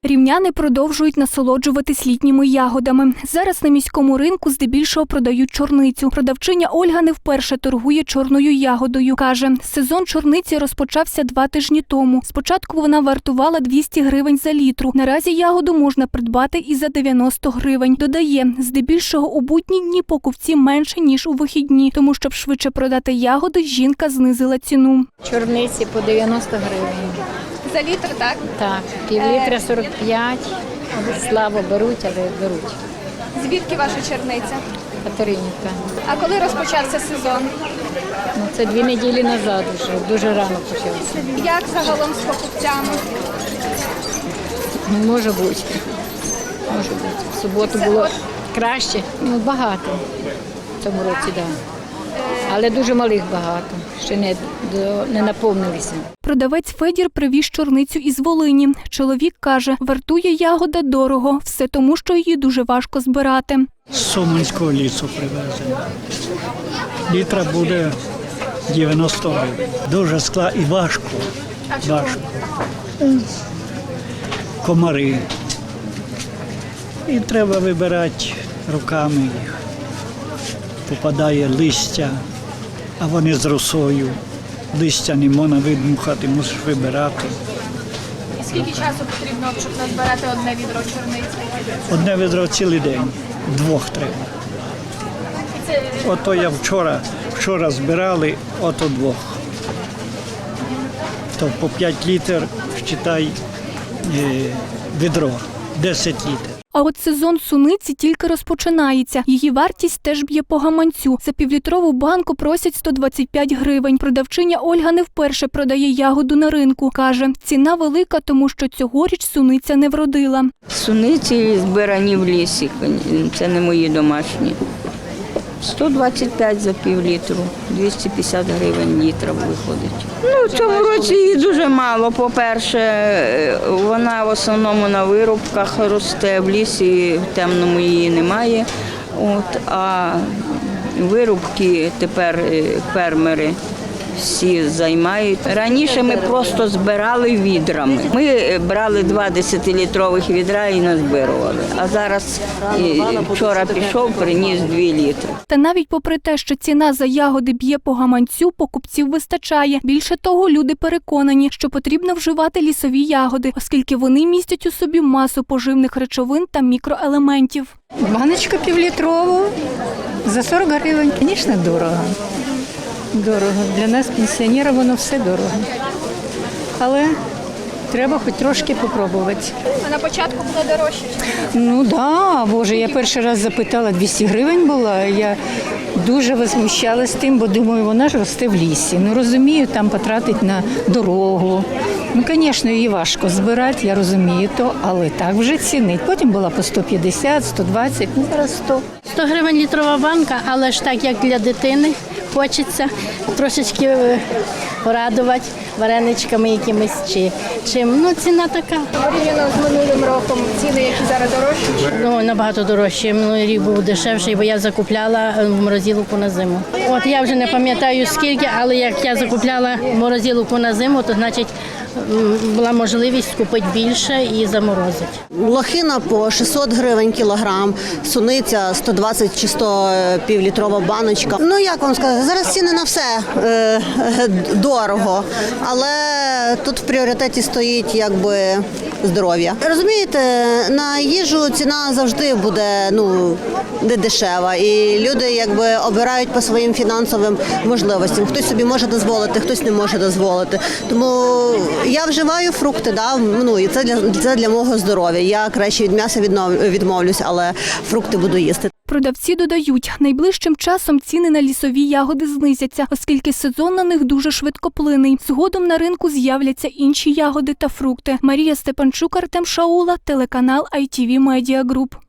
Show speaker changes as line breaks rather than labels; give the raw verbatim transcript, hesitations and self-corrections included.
Рівняни продовжують насолоджуватись літніми ягодами. Зараз на міському ринку здебільшого продають чорницю. Продавчиня Ольга не вперше торгує чорною ягодою. Каже, сезон чорниці розпочався два тижні тому. Спочатку вона вартувала двісті гривень за літру. Наразі ягоду можна придбати і за дев'яносто гривень. Додає, здебільшого у будні дні покупці менше, ніж у вихідні. Тому, щоб швидше продати ягоди, жінка знизила ціну.
Чорниці по дев'яносто гривень.
За літр, так?
Так, пів літра сорок п'ять. Слабо беруть, але беруть.
Звідки ваша чорниця?
Катеринівка.
А коли розпочався сезон?
Ну, це дві неділі назад вже, дуже рано почався.
Як загалом з покупцями?
Ну, може бути. Може бути. В суботу було краще, ну багато в цьому році, так. Да. Але дуже малих багато, ще не, до, не наповнилися.
Продавець Федір привіз чорницю із Волині. Чоловік каже, вартує ягода дорого, все тому, що її дуже важко збирати.
З Суманського лісу привезено. Літра буде дев'яносто гривень. Дуже скла і важко. Важко. Комари. І треба вибирати руками їх. Попадає листя, а вони з росою. Листя не можна видмухати, мусиш вибирати.
І скільки часу потрібно, щоб назбирати одне відро чорниці?
Одне відро цілий день, двох треба.
Це...
Ото я вчора, вчора збирали, ото двох. То по п'ять літрів, вважай, відро, десять літрів.
А от сезон суниці тільки розпочинається. Її вартість теж б'є по гаманцю. За півлітрову банку просять сто двадцять п'ять гривень. Продавчиня Ольга не вперше продає ягоду на ринку. Каже, ціна велика, тому що цьогоріч суниця не вродила.
Суниці збирані в лісі, це не мої домашні. сто двадцять п'ять за пів літру, двісті п'ятдесят гривень літра виходить. Ну, в цьому році її дуже мало. По-перше, вона в основному на вирубках росте, в лісі в темному її немає. От, а вирубки тепер фермери всі займають. Раніше ми просто збирали відрами. Ми брали два десятилітрових відра і назбирували. А зараз вчора пішов, приніс дві літри.
Та навіть попри те, що ціна за ягоди б'є по гаманцю, покупців вистачає. Більше того, люди переконані, що потрібно вживати лісові ягоди, оскільки вони містять у собі масу поживних речовин та мікроелементів.
Баночку півлітрову за сорок гривень. Звісно, дорого. Дорого. Для нас, пенсіонерів, воно все дорого. Але треба хоч трошки попробувати.
А на початку було дорожче?
Ну так, да, Боже, я перший раз запитала, двісті гривень була. Я дуже возмущалась тим, бо думаю, вона ж росте в лісі. Ну розумію, там потратить на дорогу. Ну, звісно, її важко збирати, я розумію то, але так вже цінить. Потім була по сто п'ятдесят, сто двадцять, ну зараз сто.
сто гривень літрова банка, але ж так, як для дитини, хочеться трошечки порадувати вареничками якимись чи чим. Ну, ціна така.
Порівняно з минулим роком ціни, які зараз дорожчі?
Ну, набагато дорожче. Минулий рік був дешевший, бо я закупляла морозилку на зиму. От я вже не пам'ятаю скільки, але як я закупляла морозилку на зиму, то значить була можливість купити більше і заморозити.
Лохина по шістсот гривень кілограм, суниця сто двадцять чи сто півлітрова баночка. Ну як вам сказати, зараз ціни на все е, дорого, але тут в пріоритеті стоїть якби здоров'я. Розумієте, на їжу ціна завжди буде ну не дешева, і люди якби обирають по своїм фінансовим можливостям. Хтось собі може дозволити, хтось не може дозволити. Тому я вживаю фрукти, да, ну і це для це для мого здоров'я. Я краще від м'яса відмовлюсь, але фрукти буду їсти.
Продавці додають, найближчим часом ціни на лісові ягоди знизяться, оскільки сезон на них дуже швидкоплинний. Згодом на ринку з'являться інші ягоди та фрукти. Марія Степанчук, Артем Шаула, телеканал ай ті ві Media Group.